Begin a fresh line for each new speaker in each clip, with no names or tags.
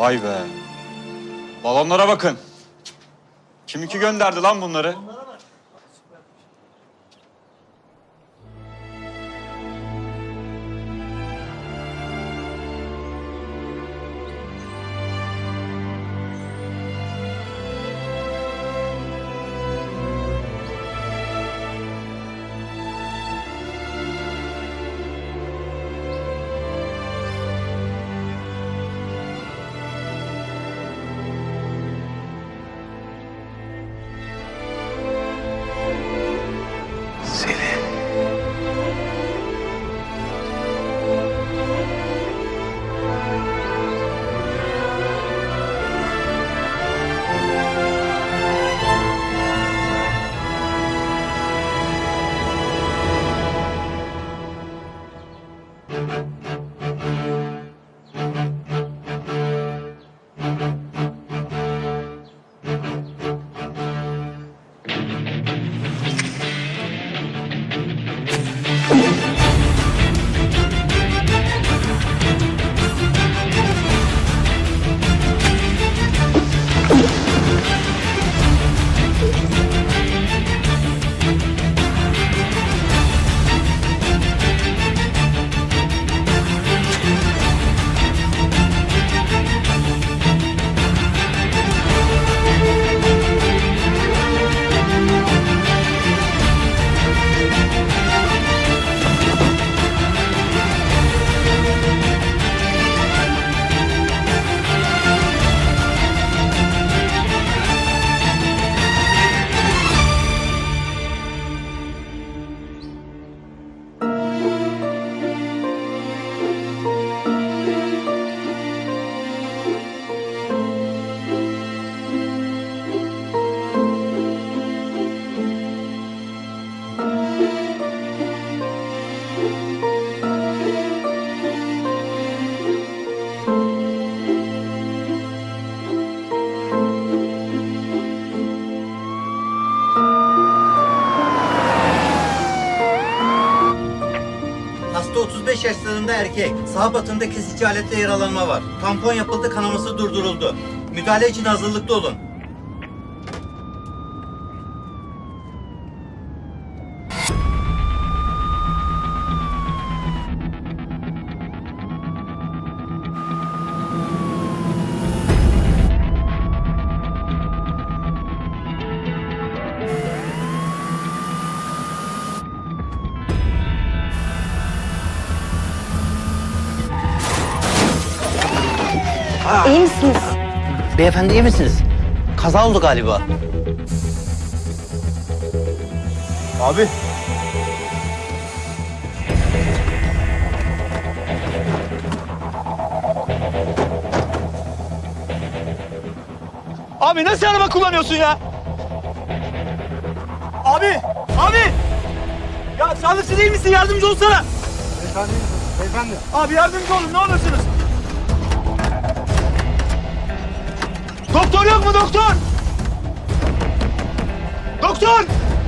Vay be. Balonlara bakın. Kim ki gönderdi lan bunları?
Hasta 35 yaşlarında erkek. Sağ batında kesici aletle yaralanma var. Tampon yapıldı, kanaması durduruldu. Müdahale için hazırlıklı olun.
İyi misiniz?
Beyefendi iyi misiniz? Kaza oldu galiba.
Abi.
Abi nasıl araba kullanıyorsun ya? Abi! Abi! Ya sağlıkçı değil misin? Yardımcı olsana. Beyefendi. Abi yardımcı olun ne olursunuz. Doktor yok mu doktor? Doktor!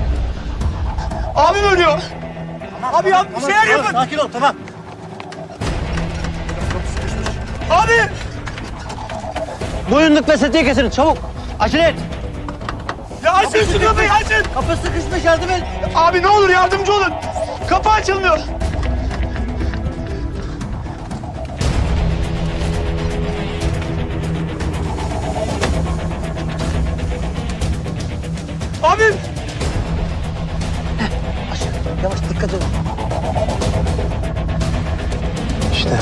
Abim ölüyor. Abi ya bir şeyler yapın.
Sakin ol, tamam.
Abi!
Boyunluk ve setiye getirin, çabuk. Acele et.
Ya açın şu kapıyı açın.
Kapı sıkışmış, yardım et.
Abi ne olur yardımcı olun. Kapı açılmıyor. Abim!
Yavaş, dikkat et.
İşte.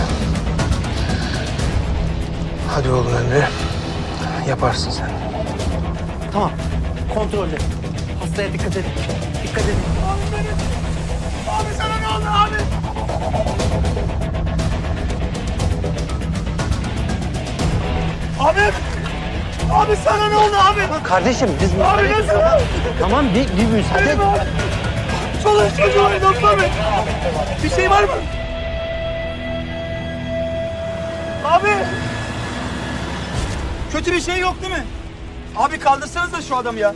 Hadi oğlum Emre. Yaparsın sen.
Tamam, kontrollü. Hastaya dikkat edin. Dikkat edin.
Abi benim! Abi sana ne oldu abi? Abim! Abi sana ne oldu abi?
Kardeşim, biz...
Abi nasıl?
Tamam, bir müsaade et.
Benim abi. Çoluk çocuğu abi doktor bey. Bir şey var mı? Abi! Kötü bir şey yok değil mi? Abi kaldırsanız da şu adamı ya.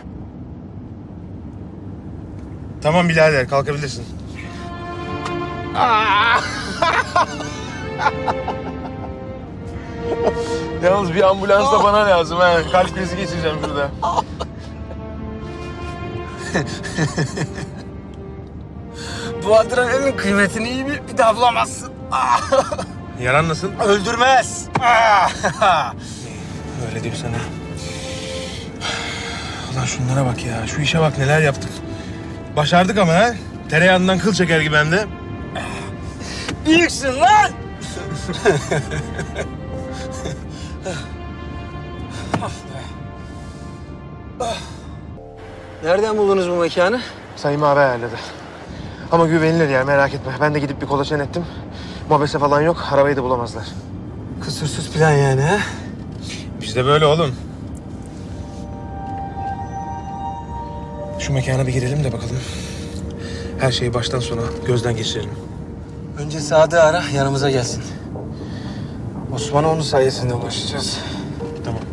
Tamam birader kalkabilirsin. Yalnız bir ambulans da bana lazım ha. Kalp krizi geçireceğim şurada.
Bu adrenalin kıymetini iyi bir daha bulamazsın.
Yaran nasıl?
Öldürmez.
Öyle diyorsan ha. Ulan şunlara bak ya. Şu işe bak neler yaptık. Başardık ama ha. Tereyağından kıl çeker gibi hem de.
Büyüksün lan. Nereden buldunuz bu mekanı?
Sayın abi ayarladı. Ama güvenilir yer merak etme. Ben de gidip bir kolaçan ettim. Mobese falan yok. Arabayı da bulamazlar.
Kusursuz plan yani ha?
Bizde böyle oğlum. Şu mekana bir girelim de bakalım. Her şeyi baştan sona gözden geçirelim.
Önce Sadık'ı ara, yanımıza gelsin. Osman'a onun sayesinde ulaşacağız.
Tamam.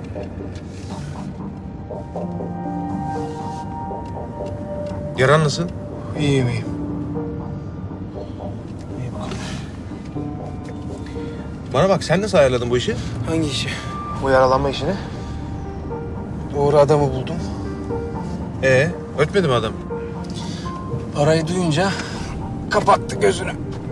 Yaran nasıl?
İyiyim, iyiyim.
İyi bakalım. Bana bak sen nasıl ayarladın bu işi?
Hangi işi?
Bu yaralanma işini.
Doğru adamı buldum.
Ötmedi mi adam?
Parayı duyunca kapattı gözünü.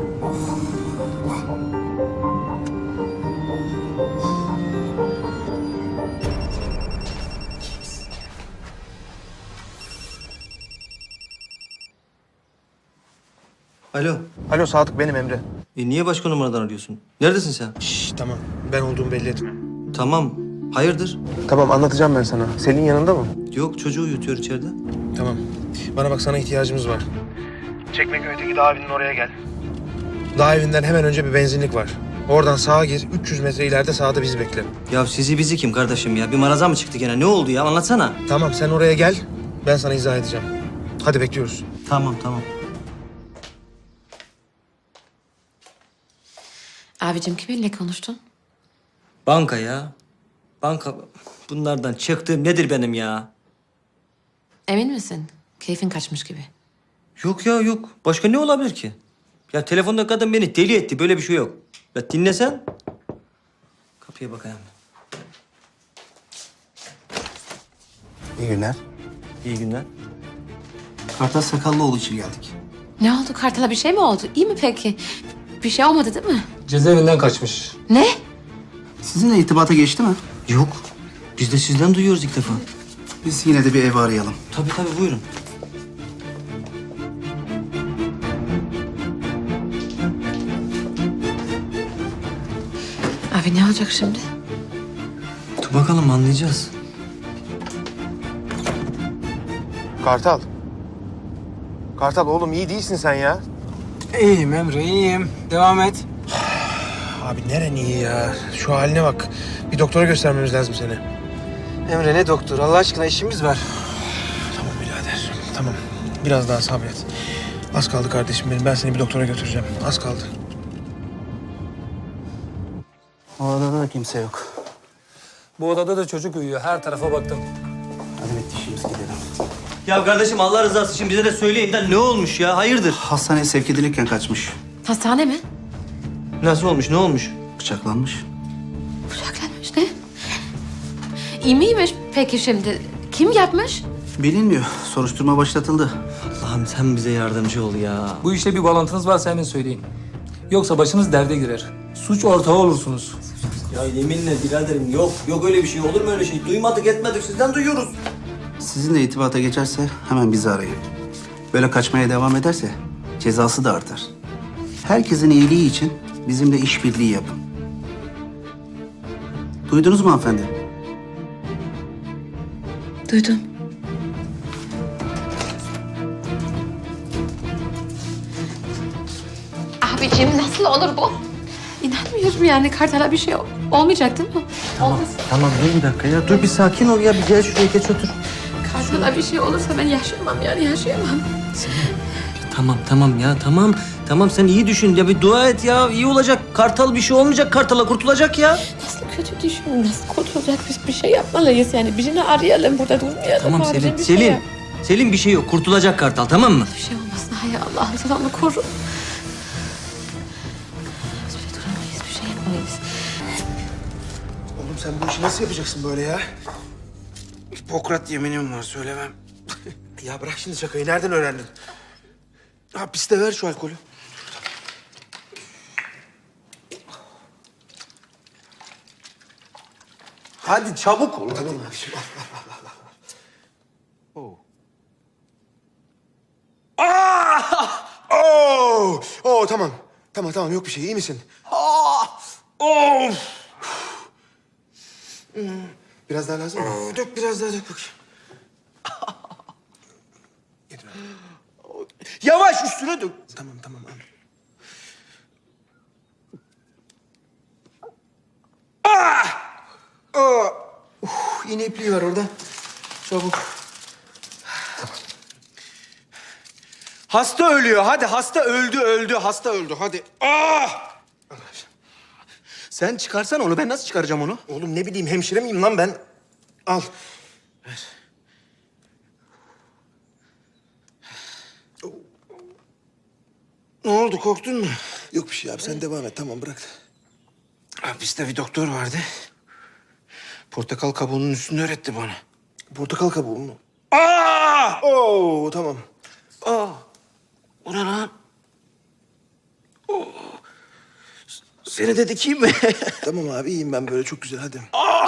Alo.
Alo Sadık benim Emre.
Niye başka numaradan arıyorsun? Neredesin sen?
Şşş tamam ben olduğumu belli etme.
Tamam. Hayırdır?
Tamam anlatacağım ben sana. Selin yanında mı?
Yok, çocuğu uyutuyor içeride.
Tamam. Bana bak sana ihtiyacımız var. Çekmeköy'deki dağ evinin oraya gel. Dağ evinden hemen önce bir benzinlik var. Oradan sağa gir. 300 metre ileride sağda bizi bekle.
Ya sizi bizi kim kardeşim ya? Bir maraza mı çıktı gene? Ne oldu ya? Anlatsana.
Tamam sen oraya gel. Ben sana izah edeceğim. Hadi bekliyoruz.
Tamam, tamam.
Abicim kiminle konuştun?
Banka ya. Banka. Bunlardan çıktığım nedir benim ya?
Emin misin? Keyfin kaçmış gibi.
Yok ya, yok. Başka ne olabilir ki? Ya telefonda kadın beni deli etti. Böyle bir şey yok. Ya dinlesen. Kapıya bakayım.
İyi günler.
İyi günler.
Kartal Sakallıoğlu için geldik.
Ne oldu? Kartal'a bir şey mi oldu? İyi mi peki? Bir şey olmadı değil mi?
Cezaevinden kaçmış.
Ne?
Sizinle irtibata geçti mi?
Yok. Biz de sizden duyuyoruz ilk defa.
Biz yine de bir ev arayalım.
Tabii tabii, buyurun.
Abi ne olacak şimdi?
Dur bakalım, anlayacağız.
Kartal. Kartal oğlum iyi değilsin sen ya.
İyiyim Emre, iyiyim. Devam et.
Abi neren iyi ya? Şu haline bak. Bir doktora göstermemiz lazım seni.
Emre ne doktor? Allah aşkına işimiz var.
Tamam birader. Tamam. Biraz daha sabret. Az kaldı kardeşim benim. Ben seni bir doktora götüreceğim. Az kaldı.
O odada da kimse yok.
Bu odada da çocuk uyuyor. Her tarafa baktım.
Hadi bitti işimiz gidelim.
Ya kardeşim, Allah rızası için bize de söyleyin de ne olmuş ya? Hayırdır?
Hastaneye sevk edilirken kaçmış.
Hastane mi?
Nasıl olmuş? Ne olmuş?
Bıçaklanmış.
Bıçaklanmış ne? İyi miymiş peki şimdi? Kim yapmış?
Bilinmiyor. Soruşturma başlatıldı.
Allah'ım sen bize yardımcı ol ya.
Bu işle bir bağlantınız varsa hemen söyleyin. Yoksa başınız derde girer. Suç ortağı olursunuz.
Ya yeminle biraderim, yok. Yok öyle bir şey. Olur mu öyle şey? Duymadık etmedik. Sizden duyuyoruz.
Sizinle irtibata geçerse hemen bizi arayın. Böyle kaçmaya devam ederse cezası da artar. Herkesin iyiliği için bizimle işbirliği yapın. Duydunuz mu hanımefendi?
Duydum. Abicim nasıl olur bu? İnanmıyorum yani Kartal'a bir şey olmayacak değil mi? Olmaz.
Tamam, dur bir dakika ya. Dur bir sakin ol ya. Bir gel şuraya, geç otur.
Kartal'a bir şey olursa ben yaşayamam yani yaşayamam.
Tamam, tamam ya. Tamam. Tamam, sen iyi düşün. Ya bir dua et ya. İyi olacak. Kartal bir şey olmayacak. Kartal'a kurtulacak ya.
Nasıl kötü düşün, nasıl kurtulacak biz bir şey yapmalıyız yani. Birini arayalım burada durmayalım.
Tamam
Abicim,
Selin.
bir şey
Selin.
yap.
Selin bir şey yok. Kurtulacak Kartal, tamam mı?
Bir şey olmasın hay Allah'ım sen onu koru. hastanedeyiz.
Oğlum sen bu işi nasıl yapacaksın böyle ya? Hipokrat yeminim var söylemem. Ya bırak şimdi şakayı. Nereden öğrendin? Hapiste ver şu alkolü. Hadi çabuk ol. Tamam abi. Şimdi tamam. Tamam yok bir şey. İyi misin? Biraz daha lazım mı? Dök biraz daha dök bakayım. Yeter abi. Yavaş üstüne dök. Tamam al. İğne ipliği var orada. Çabuk. Tamam. Hasta ölüyor. Hadi hasta öldü. Hasta öldü. Hadi. Sen çıkarsan onu. Ben nasıl çıkaracağım onu? Oğlum ne bileyim hemşire miyim lan ben? Al. Ver. Ne oldu? Korktun mu? Yok bir şey abi. Sen devam et. Tamam bırak. Hapiste bir doktor vardı. Portakal kabuğunun üstünü öğretti bana. Portakal kabuğu mu? Tamam. O ne lan? Seni de dikeyim mi? Tamam abi iyiyim ben böyle çok güzel hadi.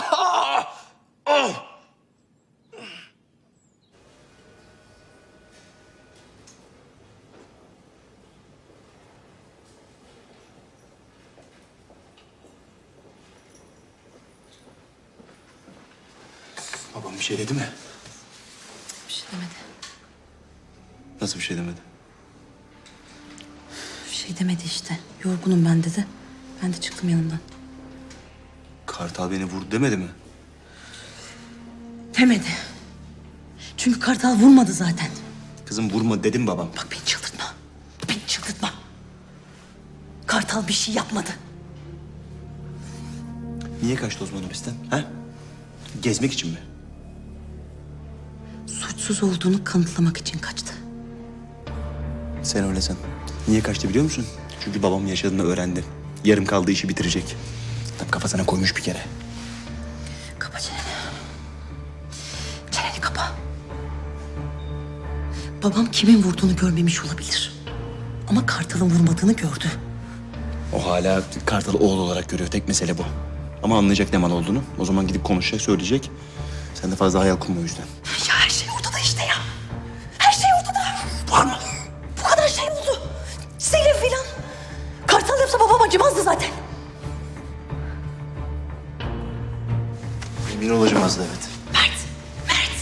Babam bir şey dedi mi?
Bir şey demedi.
Nasıl bir şey demedi?
Bir şey demedi işte. Yorgunum ben dedi. Ben de çıktım yanından.
Kartal beni vurdu demedi mi?
Demedi. Çünkü Kartal vurmadı zaten.
Kızım vurma dedim babam.
Bak beni çıldırtma. Beni çıldırtma. Kartal bir şey yapmadı.
Niye kaçtı o zaman hapisten? Ha? Gezmek için mi?
Suçsuz olduğunu kanıtlamak için kaçtı.
Sen öyle san. Niye kaçtı biliyor musun? Çünkü babam yaşadığını öğrendi. Yarım kaldığı işi bitirecek. Tam kafasına koymuş bir kere.
Kapa çeneni. Çeneni kapa. Babam kimin vurduğunu görmemiş olabilir. Ama Kartal'ın vurmadığını gördü.
O hala Kartal'ı oğul olarak görüyor. Tek mesele bu. Ama anlayacak ne mal olduğunu. O zaman gidip konuşacak, söyleyecek. Sen de fazla hayal kurma o yüzden.
Ya her şey ortada işte ya. Her şey ortada.
Var mı?
Bu kadar şey oldu. Selim filan. Kartal yapsa babam acımazdı zaten.
Emin olacağım az da evet.
Mert.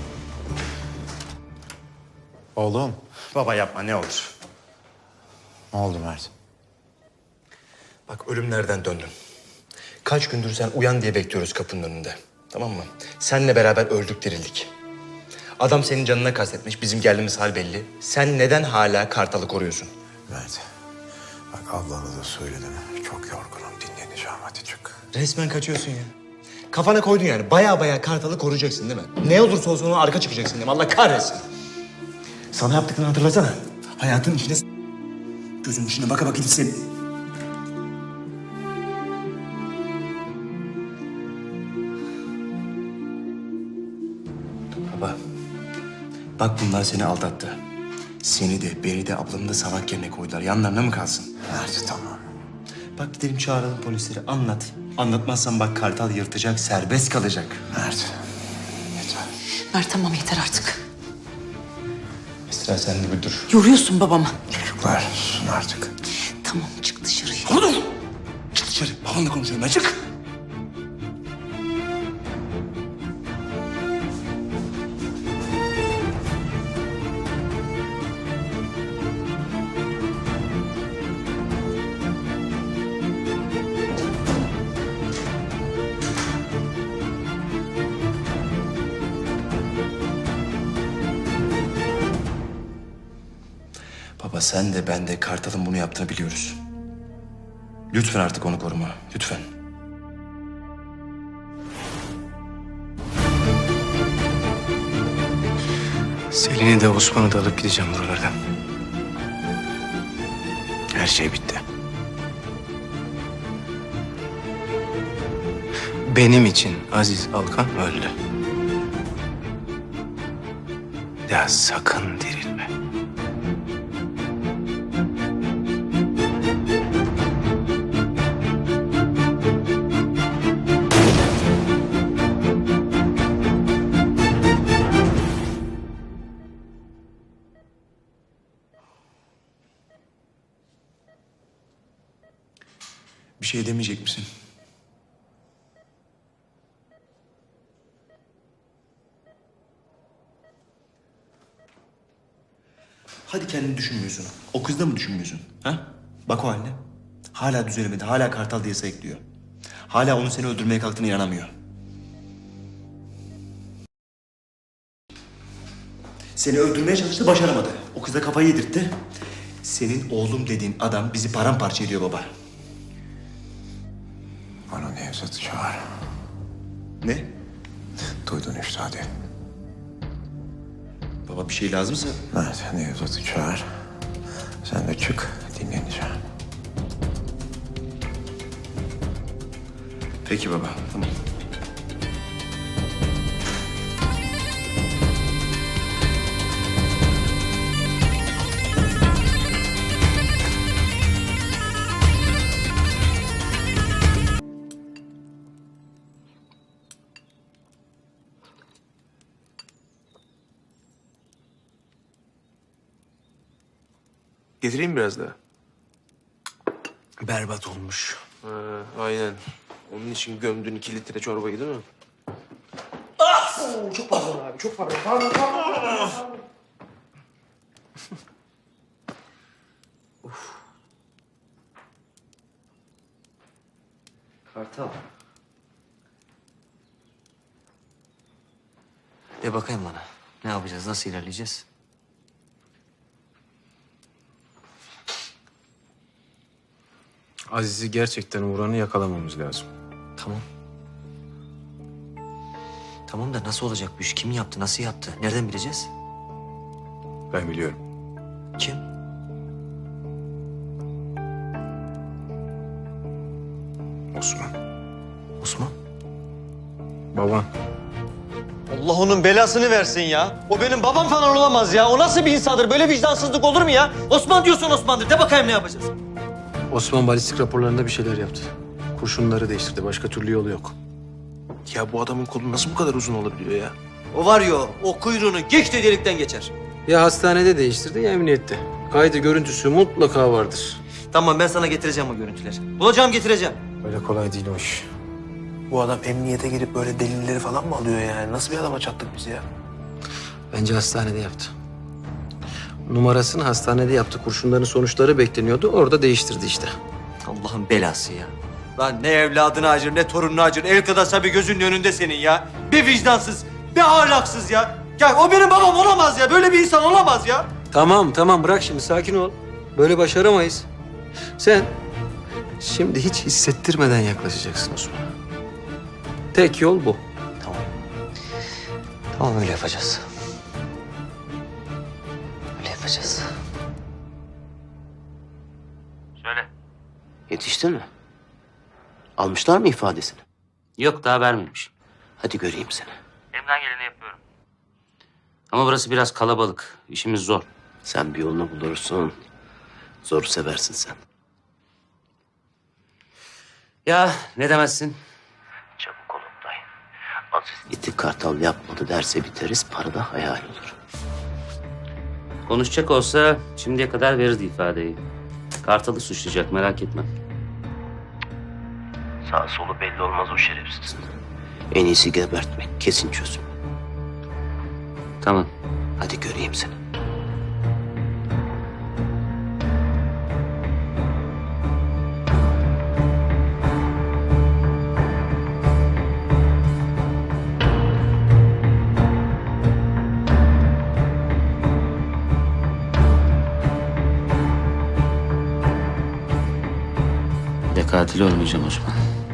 Oğlum,
Baba yapma ne olur.
ne oldu Mert?
Bak ölümlerden döndün. Kaç gündür sen uyan diye bekliyoruz kapının önünde. Tamam mı? Seninle beraber öldük dirildik. Adam senin canına kastetmiş. Bizim geldiğimiz hal belli. Sen neden hala Kartal'ı koruyorsun?
Mert, bak ablana da söyledim. Çok yorgunum, dinleneceğim. Hadi çık.
Resmen kaçıyorsun ya. Kafana koydun yani. Baya Kartal'ı koruyacaksın değil mi? Ne olursa olsun ona arka çıkacaksın değil mi? Allah kahretsin. Sana yaptıklarını hatırlasana. Hayatın içine gözünün içine baka baka gitsin. Baba, bak bunlar seni aldattı. Seni de, beni de, ablanı da salak yerine koydular. Yanlarına mı kalsın?
Mert, tamam.
Bak gidelim çağıralım polisleri, anlat. Anlatmazsan bak Kartal yırtacak, serbest kalacak.
Mert, yeter.
Mert tamam yeter artık.
Esra sen de bir dur.
Yoruyorsun babamı.
Çocuklar, susun artık.
Tamam çık dışarıya.
Ama dur! Çık dışarı, babamla konuşuyorum ben, çık! Baba sen de ben de Kartal'ın bunu yaptığını biliyoruz. Lütfen artık onu koruma, lütfen.
Selin'i de Osman'ı da alıp gideceğim buralardan. Her şey bitti. Benim için Aziz Alkan öldü. Ya sakın dirilme.
Bir şey demeyecek misin? Hadi kendini düşünmüyorsun. O kızı da mı düşünmüyorsun? Ha? Bak o haline. Hala düzelemedi. Hala Kartal diye sayıklıyor. Hala onun seni öldürmeye kalktığına inanamıyor. Seni öldürmeye çalıştı, başaramadı. O kıza kafayı yedirtti. Senin oğlum dediğin adam bizi paramparça ediyor baba.
Bana Nevzat'ı çağır.
Ne?
Duydun işte hadi.
Baba bir şey lazımsa...
Evet Nevzat'ı çağır. Sen de çık dinleneceğim.
Peki baba, tamam.
Getireyim biraz daha.
Berbat olmuş.
Aynen. Onun için gömdün 2 litre çorbayı değil mi?
Kartal. De bakayım bana. Ne yapacağız? Nasıl ilerleyeceğiz?
Aziz'i gerçekten vuranı yakalamamız lazım.
Tamam. Tamam da nasıl olacak bu iş? Kim yaptı? Nasıl yaptı? Nereden bileceğiz?
Ben biliyorum.
Kim?
Osman.
Osman.
Baban.
Allah onun belasını versin ya. O benim babam falan olamaz ya. O nasıl bir insandır? Böyle vicdansızlık olur mu ya? Osman diyorsun Osman'dır. De bakayım ne yapacağız?
Osman balistik raporlarında bir şeyler yaptı. Kurşunları değiştirdi. Başka türlü yolu yok. Ya bu adamın kolu nasıl bu kadar uzun olabiliyor ya?
O var ya, o kuyruğunu geçti delikten geçer.
Ya hastanede değiştirdi ya emniyette. Kaydı görüntüsü mutlaka vardır.
Tamam, ben sana getireceğim o görüntüleri. Bulacağım, getireceğim.
Öyle kolay değil o iş. Bu adam emniyete girip böyle delilleri falan mı alıyor yani? Nasıl bir adama çattık biz ya? Bence hastanede yaptı. Numarasını hastanede yaptı. Kurşunların sonuçları bekleniyordu. Orada değiştirdi işte.
Allah'ın belası ya. Lan ne evladını acır, ne torununu acır. El kadar bir gözünün önünde senin ya. Bir vicdansız, bir ahlaksız ya. Ya o benim babam olamaz ya. Böyle bir insan olamaz ya.
Tamam bırak şimdi sakin ol. Böyle başaramayız. Sen şimdi hiç hissettirmeden yaklaşacaksın Osman'a. Tek yol bu.
Tamam. Tamam, öyle yapacağız. Öyle yapacağız.
Yetiştin mi? Almışlar mı ifadesini?
Yok, daha vermemiş.
Hadi göreyim seni.
Elimden geleni yapıyorum. Ama burası biraz kalabalık. İşimiz zor.
Sen bir yolunu bulursun. Zoru seversin sen.
Ya ne demezsin?
Çabuk ol Oktay. Aziz gitti Kartal yapmadı derse biteriz. Para da hayal olur.
Konuşacak olsa şimdiye kadar verirdi ifadeyi. Kartal'ı suçlayacak, merak etme.
Sağ solu belli olmaz o şerefsizin. En iyisi gebertmek. Kesin çözüm.
Tamam.
Hadi göreyim seni.
Bir de katil olmayacağım Osman.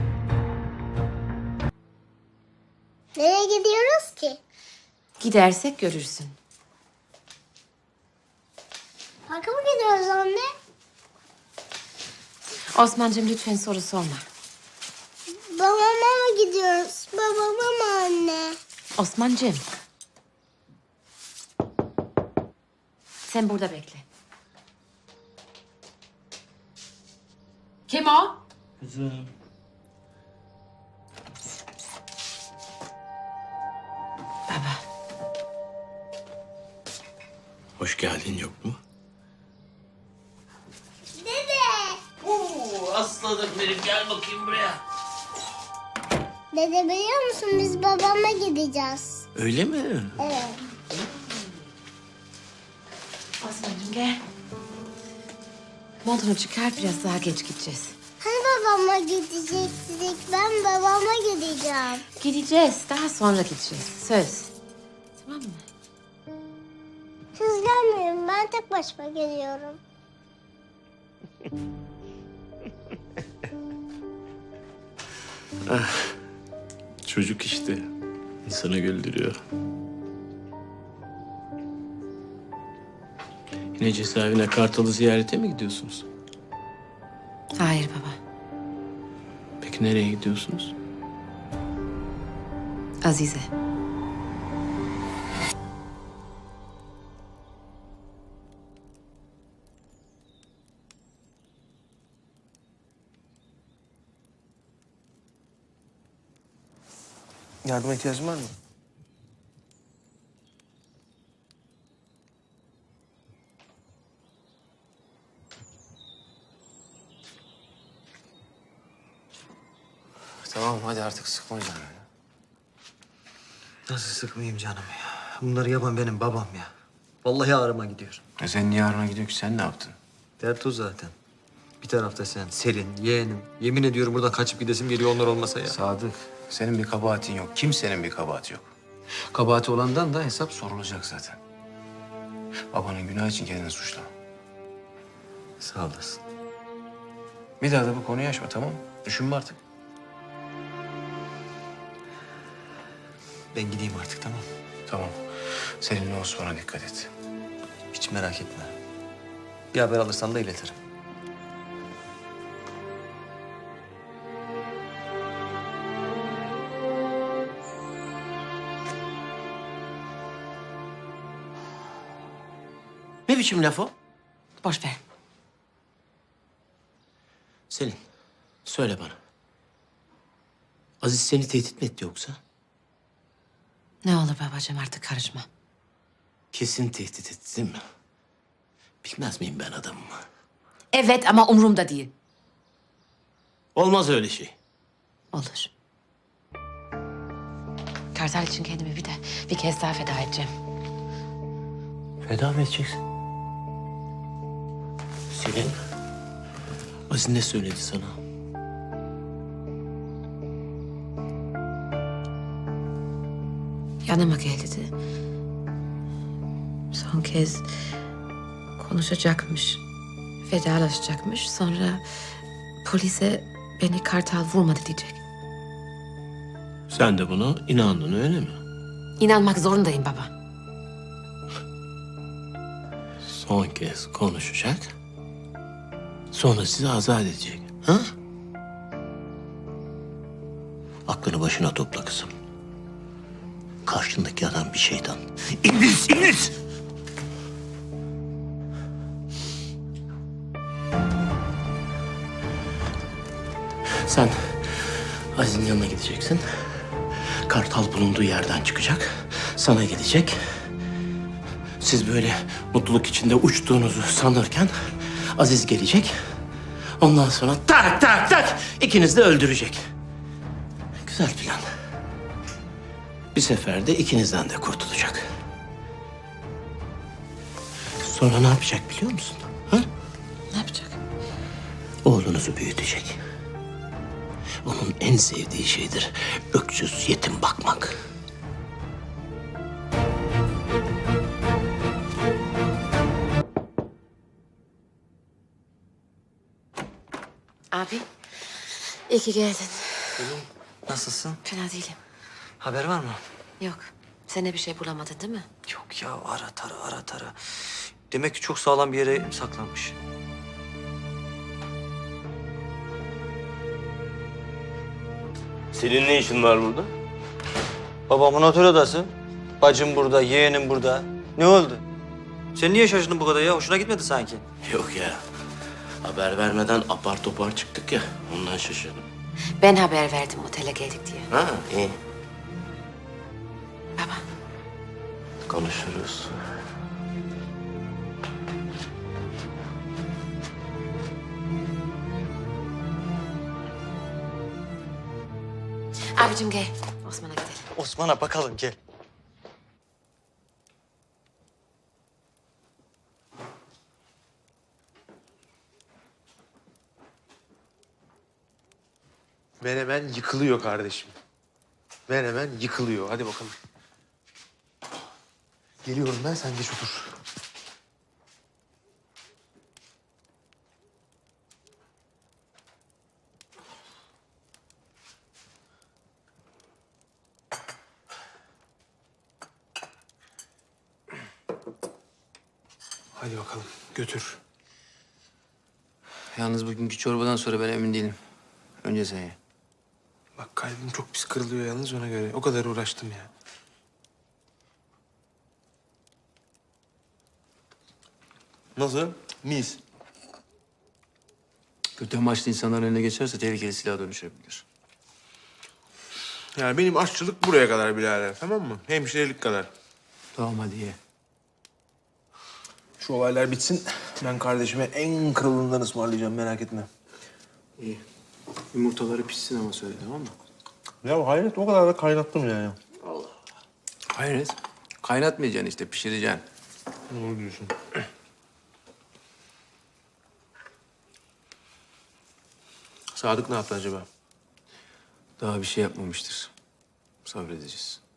Nereye gidiyoruz ki?
Gidersek görürsün.
Parka mı gidiyoruz anne?
Osman'cığım lütfen soru sorma.
Babama mı gidiyoruz? gidiyoruz? Babama mı anne?
Osman'cığım. Sen burada bekle. Kim o?
Kızım.
Baba.
Hoş geldin yok mu?
Aslanım benim, gel bakayım buraya.
Dede biliyor musun biz babama gideceğiz.
Öyle mi?
Evet.
Osman'cığım gel. Montunu çıkar, biraz daha geç gideceğiz.
Hani babama gidecektik? Ben babama gideceğim.
Gideceğiz, daha sonra gideceğiz. Söz. Tamam mı?
Siz gelmeyin, ben tek başıma geliyorum.
Çocuk işte. İnsanı güldürüyor. Yine cezaevine Kartal'ı ziyarete mi gidiyorsunuz?
Hayır baba.
Peki nereye gidiyorsunuz?
Azize.
Yardıma ihtiyacın var mı? Tamam hadi artık sıkma canını.
Nasıl sıkmayayım canım ya? Bunları yapan benim babam ya. Vallahi ağrıma gidiyor.
Sen niye ağrına gidiyor ki? Sen ne yaptın?
Dert o zaten. Bir tarafta sen, Selin, yeğenim. Yemin ediyorum buradan kaçıp gidesim geliyor onlar olmasa ya.
Sadık, senin bir kabahatin yok. Kimsenin bir kabahati yok. Kabahati olandan da hesap sorulacak zaten. Babanın günahı için kendini suçlama.
Sağ olasın.
Bir daha da bu konuyu açma, tamam mı? Düşünme artık.
Ben gideyim artık, tamam.
Tamam. Seninle Osman'a dikkat et.
Hiç merak etme. Bir haber alırsan da iletirim.
Ne biçim laf o?
Boş ver.
Selin, söyle bana. Aziz seni tehdit mi etti yoksa?
Ne olur babacığım, artık karışma.
Kesin tehdit etti değil mi? Bilmez miyim ben adamımı?
Evet ama umurumda değil.
Olmaz öyle şey.
Olur. Kartal için kendimi bir kez daha feda edeceğim.
Feda mı edeceksin? Selin, Aziz ne söyledi sana?
Yanıma gel dedi. Son kez konuşacakmış. Vedalaşacakmış. Sonra polise beni Kartal vurmadı diyecek.
Sen de buna inandın öyle mi?
İnanmak zorundayım baba.
Son kez konuşacak. Sonra sizi azat edecek. Ha? Aklını başına topla kızım. Karşındaki adam bir şeytan. İblis, iblis! Sen Aziz'in yanına gideceksin. Kartal bulunduğu yerden çıkacak. Sana gelecek. Siz böyle mutluluk içinde uçtuğunuzu sanırken Aziz gelecek. Ondan sonra tak tak tak ikiniz de öldürecek. Güzel plan. Bir seferde ikinizden de kurtulacak. Sonra ne yapacak biliyor musun? Ha?
Ne yapacak?
Oğlunuzu büyütecek. Onun en sevdiği şeydir öksüz yetim bakmak.
Abi, iyi ki geldin.
Nasılsın?
Fena değilim.
Haber var mı?
Yok, sen de bir şey bulamadın değil mi?
Yok ya, ara tara. Demek ki çok sağlam bir yere saklanmış.
Senin ne işin var burada?
Babamın otel odası. Bacım burada, yeğenim burada. Ne oldu? Sen niye şaşırdın bu kadar ya? Hoşuna gitmedi sanki.
Yok ya. Haber vermeden apar topar çıktık ya. Ondan şaşırdım.
Ben haber verdim otele geldik diye.
Ha iyi.
Baba.
Konuşuruz.
Abicim gel. Osman'a gidelim.
Osman'a bakalım gel.
Menemen yıkılıyor kardeşim. Menemen yıkılıyor. Hadi bakalım. Geliyorum ben, sen geç otur. Hadi bakalım, götür.
Yalnız bugünkü çorbadan sonra ben emin değilim. Önce sen ye.
Bak kalbim çok pis kırılıyor yalnız ona göre. O kadar uğraştım ya. Nasıl? Mis.
Kötü amaçlı insanların eline geçerse tehlikeli silaha dönüşebilir.
Yani benim aşçılık buraya kadar birader, tamam mı? Hemşirelik kadar.
Tamam hadi ye.
Şu olaylar bitsin. Ben kardeşime en kralından ısmarlayacağım, merak etme.
İyi. Yumurtaları pişsin ama söyle, tamam mı?
Ya hayret, o kadar da kaynattım yani.
Hayret. Kaynatmayacaksın işte, pişireceksin.
Doğru diyorsun. Sadık ne yaptı acaba?
Daha bir şey yapmamıştır. Sabredeceğiz.